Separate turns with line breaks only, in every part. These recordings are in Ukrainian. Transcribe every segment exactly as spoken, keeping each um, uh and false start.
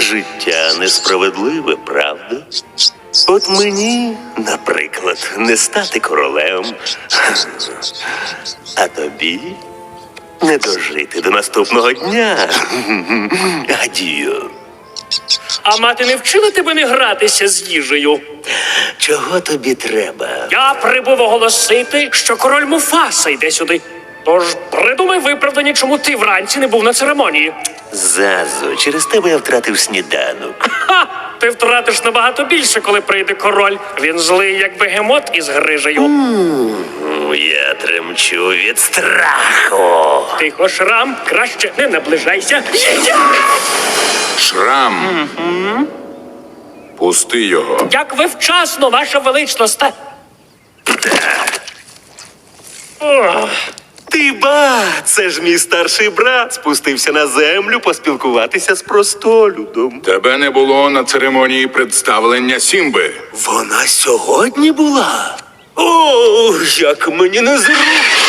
Життя несправедливе, правда? От мені, наприклад, не стати королем, а тобі не дожити до наступного дня. Адію.
А мати не вчила тебе не гратися з їжею?
Чого тобі треба?
Я прибув оголосити, що король Муфаса йде сюди. Тож придумай виправдання, чому ти вранці не був на церемонії.
Зазу, через тебе я втратив сніданок.
Ха! Ти втратиш набагато більше, коли прийде король. Він злий, як бегемот із грижею.
М, Я тремчу від страху.
Тихо, Шрам, краще не наближайся.
Шрам. Пусти його.
Як ви вчасно, ваша величність. Ох.
Ти ба, це ж мій старший брат спустився на землю поспілкуватися з простолюдом.
Тебе не було на церемонії представлення Сімби.
Вона сьогодні була? О, як мені незручно.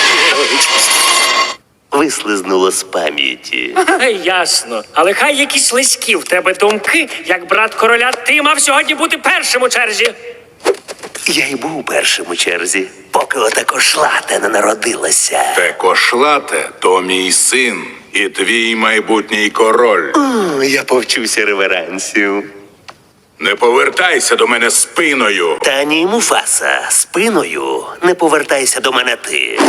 Вислизнуло з пам'яті.
Ясно. Але хай якісь слизькі в тебе думки, як брат короля, ти мав сьогодні бути першим у черзі.
Я й був першим у черзі, поки ота кошлата не народилася.
Те кошлате – то мій син і твій майбутній король.
О, я повчуся реверансів.
Не повертайся до мене спиною.
Та ні, Муфаса, спиною не повертайся до мене ти.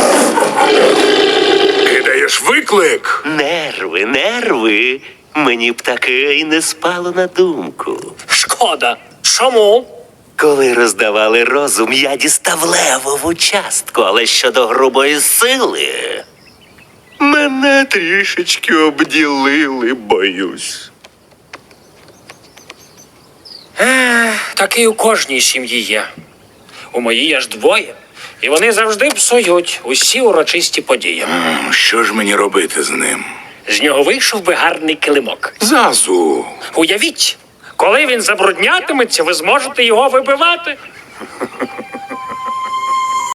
Кидаєш виклик.
Нерви, нерви. Мені б таке і не спало на думку.
Шкода. Чому?
Коли роздавали розум, я дістав левову частку, але щодо грубої сили мене трішечки обділили, боюсь.
Такий у кожній сім'ї є. У моїй аж двоє. І вони завжди псують усі урочисті події.
М, Що ж мені робити з ним?
З нього вийшов би гарний килимок.
Зазу.
Уявіть, коли він забруднятиметься, ви зможете його вибивати.